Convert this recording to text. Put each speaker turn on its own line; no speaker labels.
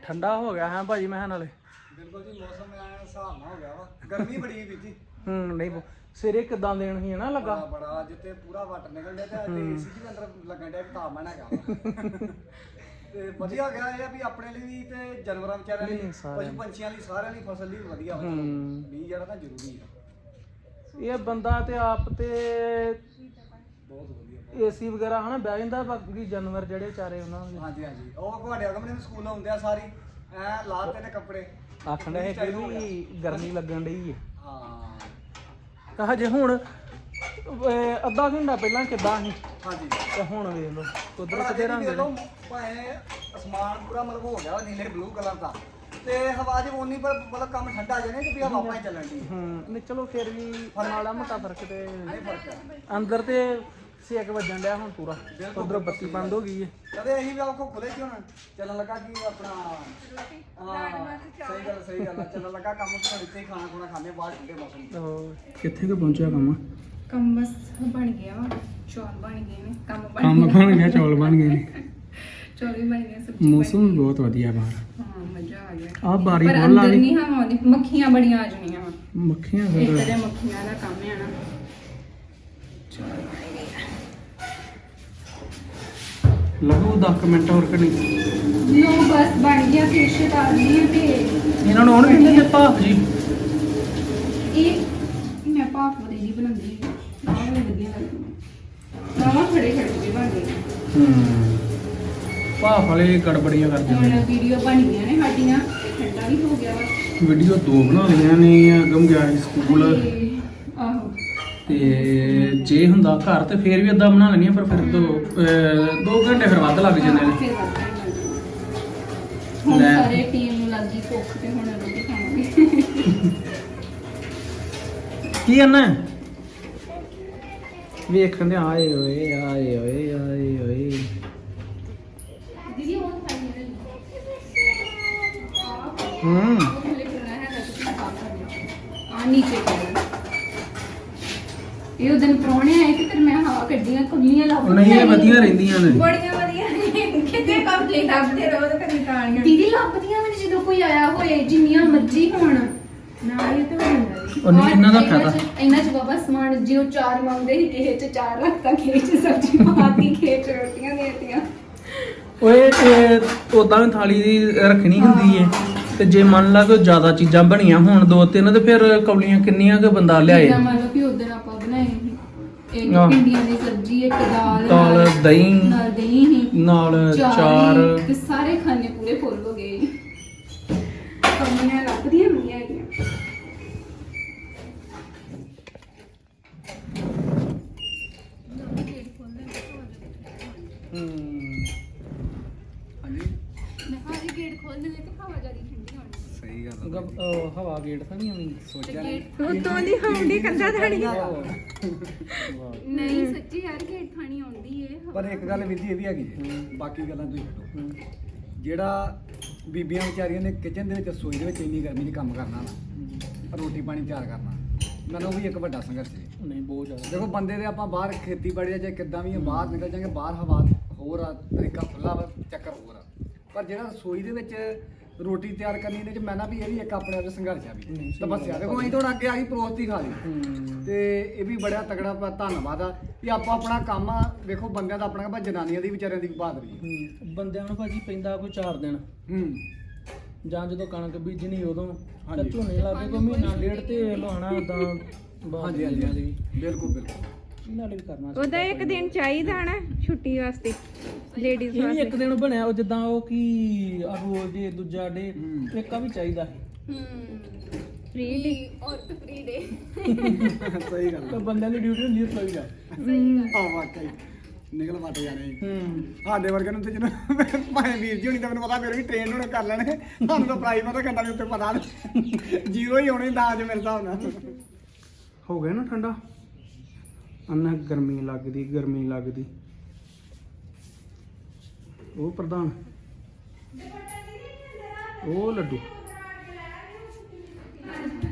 ਠੰਡਾ ਹੋ ਗਿਆ ਹੈ ਭਾਜੀ ਮੈਂ ਨਾਲੇ
ਬਿਲਕੁਲ ਜੀ ਮੌਸਮ ਐ ਹਿਸਾਬ ਨਾਲ ਹੋ ਗਿਆ ਵਾ ਗਰਮੀ ਬੜੀ ਵੀ ਜੀ
ਨਹੀਂ ਸਿਰੇ ਕਿਦਾਂ ਦੇਣ ਸੀ ਨਾ ਲੱਗਾ
ਬੜਾ ਜਿੱਤੇ ਪੂਰਾ ਵਾਟਰ ਨਿਕਲ ਗਿਆ ਤੇ ਏਸੀ ਵੀ ਅੰਦਰ ਲੱਗਣ ਡਿਆ ਵੀ ਤਾਪਮਾਨ ਹੈਗਾ ਤੇ ਵਧੀਆ ਗਿਆ ਇਹ ਆ ਵੀ ਆਪਣੇ ਲਈ ਵੀ ਤੇ ਜਾਨਵਰਾਂ ਵਿਚਾਰਿਆਂ ਲਈ ਪਸ਼ੂ ਪੰਛੀਆਂ ਲਈ ਸਾਰਿਆਂ ਲਈ ਫਸਲ ਲਈ ਵਧੀਆ ਹੋ ਵੀ ਜਿਹੜਾ ਤਾਂ ਜ਼ਰੂਰੀ ਆ
ਇਹ ਬੰਦਾ ਤੇ ਆਪ ਤੇ
ਬਹੁਤ ਵਧੀਆ
ਏਸੀ ਵਗੈਰਾ ਹਨਾ ਬਹਿ ਜਾਂਦਾ ਬਾਕੀ ਜਾਨਵਰ ਜਿਹੜੇ ਵਿਚਾਰੇ ਉਹਨਾਂ ਦੇ
ਹਾਂਜੀ ਹਾਂਜੀ ਉਹ ਤੁਹਾਡੇ ਅਗਮ ਸਕੂਲ ਆਉਂਦੇ ਆ ਸਾਰੀ ਐ ਲਾਤੇ ਨੇ ਕੱਪੜੇ
ਆਖਣ ਦੇ ਫਿਰ ਵੀ ਗਰਮੀ ਲੱਗਣ ਡਈ ਹੈ
ਹਾਂ
ਕਹਾ ਜੇ ਹੁਣ ਅੱਧਾ ਘੰਟਾ ਪਹਿਲਾਂ ਕਿੱਦਾਂ ਸੀ
ਹਾਂਜੀ
ਤੇ ਹੁਣ ਵੇਖ ਲਓ ਕੁਦਰਤ ਦੇ ਰੰਗ ਨੇ
ਭਾਵੇਂ ਅਸਮਾਨ ਪੂਰਾ ਮਤਲਬ ਹੋ ਗਿਆ ਨੀਲੇ ਬਲੂ ਕਲਰ ਦਾ ਤੇ ਹਵਾ ਜੇ ਉਨੀ ਪਰ ਮਤਲਬ ਕੰਮ ਠੰਡਾ ਜਾਣੇ ਤੇ ਵੀ ਹਵਾ ਪਾਈ ਚੱਲਣ ਦੀ
ਨਹੀਂ ਚਲੋ ਫਿਰ ਵੀ ਮਾੜਾ ਮੋਟਾ ਫਰਕ ਤੇ
ਨਹੀਂ ਫਰਕ ਆ
ਅੰਦਰ ਤੇ ਸੇਕ ਵੱਜਣ ਡਿਆ ਹੁਣ ਪੂਰਾ ਉਧਰੋਂ ਬੱਤੀ ਬੰਦ ਹੋ ਗਈ ਹੈ
ਕਦੇ ਅਸੀਂ ਵੀ ਆਖੋ ਖੁੱਲੇ ਕਿਉਂ ਨਾ ਚੱਲਣ ਲੱਗਾ ਕਿ ਆਪਣਾ ਹਾਂ ਸਹੀ ਗੱਲ ਆ ਚੱਲਣ ਲੱਗਾ ਕੰਮ ਘੜੀ ਤੇ ਖਾਣਾ ਖੁਣਾ ਖਾਣੇ ਬਾਹਰ ਠੰਡੇ ਮੌਸਮ
ਕਿੱਥੇ ਕੁ ਪਹੁੰਚਿਆ
ਕੰਮ ਬਸ ਬਣ ਗਿਆ ਵਾ ਚੌਲ ਬਣ ਗਏ ਨੇ ਕੰਮ
ਬਣ ਗਿਆ ਚੌਲ ਬਣ ਗਏ ਨੇ
ਚੌਲ ਵੀ ਬਣ ਗਏ ਸਬਜ਼ੀ
ਮੌਸਮ ਵੀ ਬਹੁਤ ਵਧੀਆ ਬਾਹਰ
ਹਾਂ ਮਜ਼ਾ ਆ ਗਿਆ
ਆ ਬਾਰੀ
ਪਰ
ਬਹੁਤ
ਅੰਦਰ
ਲਾਣੀ
ਨਹੀਂ ਹਵਾ ਆਉਂਦੀ ਮੱਖੀਆਂ ਬੜੀਆਂ ਆ ਜਾਣੀਆਂ ਵਾ
ਮੱਖੀਆਂ
ਇੱਕ
ਫਿਰ
ਤੇ ਮੱਖੀਆਂ ਦਾ ਕੰਮ ਹੈ ਨਾ ਚੌਲ ਬਣ ਗਏ
ਲੱਗੂ 10 ਮਿੰਟ ਹੋਰ ਕਣੀ
ਲੋ ਬਸ ਬਣ ਗਿਆ ਫਿਸ਼ ਤਾਜ਼ੀ ਹੈ ਤੇ
ਇਹਨਾਂ ਨੂੰ ਹੁਣ ਵੀ ਨਹੀਂ ਭਾਫ ਜੀ
ਇਹ ਮੈਂ ਭਾਫ ਦੀ ਬਣਾਉਂਦੀ ਹਾਂ ਆਹ ਮੈਨੂੰ ਵਧੀਆ ਲੱਗਦੀ ਆਹ ਖੜੇ ਵੀ ਬਣ ਗਏ
ਭਾਫ ਵਾਲੇ ਗੜਬੜੀਆਂ ਕਰਦੇ
ਹੁਣ ਵੀਡੀਓ ਬਣ ਗਈਆਂ ਨੇ ਸਾਡੀਆਂ ਠੰਡਾ ਵੀ ਹੋ ਗਿਆ ਵਾ
ਵੀਡੀਓ 2 ਬਣਾ ਲਈਆਂ ਨੇ ਅਗਮ ਗਿਆ ਸੀ ਸਕੂਲ
ਤੇ ਆਹੋ
ਤੇ ਜੇ ਹੁੰਦਾ ਘਰ ਤੇ ਫੇਰ ਵੀ ਅੱਧਾ ਬਣਾ ਲੈਣੀਆਂ ਪਰ ਫਿਰ 2 ਘੰਟੇ ਫਿਰ ਵੱਧ ਲੱਗ ਜਾਂਦੇ ਨੇ
ਫਿਰ ਵੱਧ time ਲੱਗ ਜਾਣਾ। ਹੁਣ ਸਾਰੇ ਟੀਮ ਨੂੰ ਲੱਗੀ ਭੁੱਖ ਤੇ ਹੁਣ ਰੋਟੀ ਖਾਵਾਂਗੇ
ਕੀ ਕਰਨਾ ਵੇਖਣ ਦੇ ਆਏ ਓਏ ਆਏ ਓਏ ਆਏ ਓਏ
ਦੀਦੀ ਉਹ ਖਾਈ ਨੇ ਥੱਲੇ ਕਰਨਾ ਹੈ ਤਾਂ ਤੁਸੀਂ ਸਾਫ ਕਰਨਾ ਆ ਨੀਚੇ ਕਰਨਾ ਇਹ ਉਦੋਂ ਪ੍ਰਾਹੁਣੇ ਆਏ ਤੇ ਫਿਰ ਮੈਂ ਹਵਾ ਕੱਢੀਆਂ ਕੁੱਲੀਆਂ ਲੱਭ
ਨਹੀਂ ਇਹ ਵਧੀਆ ਰਹਿੰਦੀਆਂ ਨੇ
ਬੜੀਆਂ ਵਧੀਆ ਨੇ ਕਿਤੇ ਕੰਪਲੀਟ ਲੱਭਦੇ ਰਹੋ ਤੇ ਕਦੀ ਕਾਣੀਆਂ ਦੀਦੀ ਲੱਭਦੀਆਂ ਮੈਨੂੰ ਜਦੋਂ ਕੋਈ ਆਇਆ ਹੋਏ ਜਿੰਨੀਆਂ ਮਰਜ਼ੀ ਹੋਣ ਨਾਲ ਇਹ ਤੇ ਹੋ ਜਾਂਦਾ ਜੀ
ਨਹੀਂ, ਇਹਨਾਂ ਦਾ ਫਾਇਦਾ।
ਇਹਨਾਂ ਚ ਬਾਬਾ ਸਮਾਨ ਜਿਉ 4 ਮੰਗਦੇ ਸੀ ਕਿਸੇ ਚ 4 ਰੱਖਤਾ ਕਿਸੇ ਚ ਸਬਜ਼ੀ ਪਾਤੀ ਕਿਸੇ ਚ ਰੋਟੀਆਂ ਦੇਤੀਆਂ
ਓਏ ਉਦਾਂ ਵੀ ਥਾਲੀ ਦੀ ਰੱਖਣੀ ਹੁੰਦੀ ਏ ਤੇ ਜੇ ਮੰਨ ਲਾ ਕੋਈ ਜ਼ਿਆਦਾ ਚੀਜ਼ਾਂ ਬਣੀਆਂ ਹੋਣ 2-3 ਤੇ ਫਿਰ ਕੌਲੀਆਂ ਕਿੰਨੀਆਂ ਕੁ ਬੰਦਾ ਲਿਆਏ
ਜਿੱਦਾਂ ਮੰਨ ਲਓ ਕਿ ਉਧਰ ਆਪਾਂ ਬਣਾਏ ਸੀ ਇੱਕ
ਹਾਂ।
ਭਿੰਡੀਆਂ ਦੀ ਸਬਜ਼ੀ ਇੱਕ ਦਾਲ
ਦਾਲ ਦਹੀਂ
ਨਾਲ ਦਹੀਂ ਸੀ
ਨਾਲ ਚਾਰ
ਤੇ ਸਾਰੇ ਖਾਣੇ ਪੂਰੇ ਫੁੱਲ ਹੋ ਗਏ ਕੰਮੀਆਂ ਲੱਭਦੀਆਂ ਹੁੰਦੀਆਂ ਹੈਗੀਆਂ
ਹਾਂਜੀ
ਮੈਂ ਹਾਰੀ ਗੇਟ ਖੋਲ ਦੇਵੇ ਤੇ ਹਵਾ ਜਿਆਦਾ ਠੰਡੀ ਹੋਣੀ
ਸਹੀ ਗੱਲ
ਹਵਾ ਗੇਟ ਤਾਂ ਨਹੀਂ ਆਉਣੀ
ਸੋਚਿਆ
ਉਤੋਂ ਦੀ ਹੌਂਡੀ ਕੰਦਾ ਥਾਣੀ
ਵਾਹ।
ਨਹੀਂ ਸੱਚੀ ਯਾਰ ਗੇਟ ਥਾਣੀ ਆਉਂਦੀ ਏ
ਪਰ ਇੱਕ ਗੱਲ ਵਿਧੀ ਇਹ ਵੀ ਹੈਗੀ ਹੈ, ਬਾਕੀ ਗੱਲਾਂ ਤੁਸੀਂ ਛੱਡੋ ਜਿਹੜਾ ਬੀਬੀਆਂ ਵਿਚਾਰੀਆਂ ਨੇ ਕਿਚਨ ਦੇ ਵਿੱਚ ਰਸੋਈ ਦੇ ਵਿੱਚ ਇੰਨੀ ਗਰਮੀ 'ਚ ਕੰਮ ਕਰਨਾ ਨਾ ਰੋਟੀ ਪਾਣੀ ਤਿਆਰ ਕਰਨਾ ਮੈਨੂੰ ਉਹ ਵੀ ਇੱਕ ਵੱਡਾ ਸੰਘਰਸ਼ ਹੈ
ਨਹੀਂ ਬਹੁਤ ਜ਼ਿਆਦਾ
ਦੇਖੋ ਬੰਦੇ ਦੇ ਆਪਾਂ ਬਾਹਰ ਖੇਤੀਬਾੜੀ ਦਾ ਚਾਹੇ ਕਿੱਦਾਂ ਵੀ ਆ ਬਾਹਰ ਨਿਕਲ ਜਾਂਗੇ ਬਾਹਰ ਹਵਾ ਹੋਰ ਆ ਤਰੀਕਾ ਖੁੱਲਾ ਵਾ ਚੱਕਰ ਹੋਰ ਆ ਪਰ ਜਿਹੜਾ ਰਸੋਈ ਦੇ ਵਿੱਚ ਰੋਟੀ ਤਿਆਰ ਕਰਨੀ ਇਹਦੇ ਚ ਮੈਂ ਨਾ ਵੀ ਇਹ ਵੀ ਇੱਕ ਆਪਣੇ ਆਪ 'ਚ ਸੰਘਰਸ਼ ਆ ਵੀ ਤਪੱਸਿਆ ਦੇਖੋ ਅਸੀਂ ਥੋੜਾ ਅੱਗੇ ਆ ਗਈ ਪਰੋਸਤੀ ਖਾ ਲਈ ਤੇ ਇਹ ਵੀ ਬੜਾ ਤਗੜਾ ਧੰਨਵਾਦ ਆ ਵੀ ਆਪਾਂ ਆਪਣਾ ਕੰਮ ਆ ਵੇਖੋ ਬੰਦਿਆਂ ਦਾ ਆਪਣਾ ਜਨਾਨੀਆਂ ਦੀ ਵਿਚਾਰਿਆਂ ਦੀ ਬਹਾਦਰੀ
ਬੰਦਿਆਂ ਨੂੰ ਭਾਜੀ ਪੈਂਦਾ ਕੋਈ 4 ਦਿਨ ਜਾਂ ਜਦੋਂ ਕਣਕ ਬੀਜਣੀ ਉਦੋਂ ਤਾਂ ਝੋਨੇ ਲੱਗੇ ਕੋਈ ਮਹੀਨਾ ਡੇਢ ਤੇ ਲਵਾਉਣਾ ਉਦਾਂ
ਹਾਂਜੀ ਹਾਂਜੀ ਬਿਲਕੁਲ ਬਿਲਕੁਲ
ਇਹਨਾਂ ਲਈ ਵੀ ਕਰਨਾ
ਉਹਦਾ ਇੱਕ ਦਿਨ ਚਾਹੀਦਾ ਨਾ ਛੁੱਟੀ ਵਾਸਤੇ ਲੇਡੀਜ਼
ਇਹ ਵੀ
ਵਾਸਤੇ
ਇੱਕ ਦਿਨ ਬਣਿਆ ਉਹ ਜਿੱਦਾਂ ਉਹ ਕੀ ਆ ਰੋਜ਼ ਦੇ ਦੂਜਾ ਡੇ ਇੱਕ ਆ ਵੀ ਚਾਹੀਦਾ ਹੈ
ਫ੍ਰੀ ਡੇ
ਔਰਤ ਫ੍ਰੀ ਡੇ
ਸਹੀ ਗੱਲ
ਤਾਂ ਬੰਦਿਆਂ ਦੀ ਡਿਊਟੀ ਹੁੰਦੀ ਹੈ ਸਹੀ ਆ
ਆ ਵਾਕਈ ਨਿਕਲ ਵੱਟ ਜਾਣੇ ਸਾਡੇ ਵਰਗੇ ਨੂੰ ਤੇ ਜਿਹਨੂੰ ਭਾਵੇਂ ਵੀਰ ਜੀ ਹੋਣੀ ਤਾਂ ਮੈਨੂੰ ਪਤਾ ਫਿਰ ਵੀ ਟ੍ਰੇਨ ਹੋਣੇ ਕਰ ਲੈਣੇ ਸਾਨੂੰ ਤਾਂ ਪ੍ਰਾਈਵੇਟ ਦਾ ਘੰਟਾ ਦੇ ਉੱਤੇ ਪਤਾ ਜ਼ੀਰੋ ਹੀ ਹੋਣੇ ਦਾਜ ਮੇਰੇ ਹਿਸਾਬ ਨਾਲ
ਹੋ ਗਿਆ ਨਾ ਠੰਡਾ ਅੰਨਾ ਗਰਮੀ ਲੱਗਦੀ ਉਹ ਪ੍ਰਧਾਨ ਉਹ ਲੱਡੂ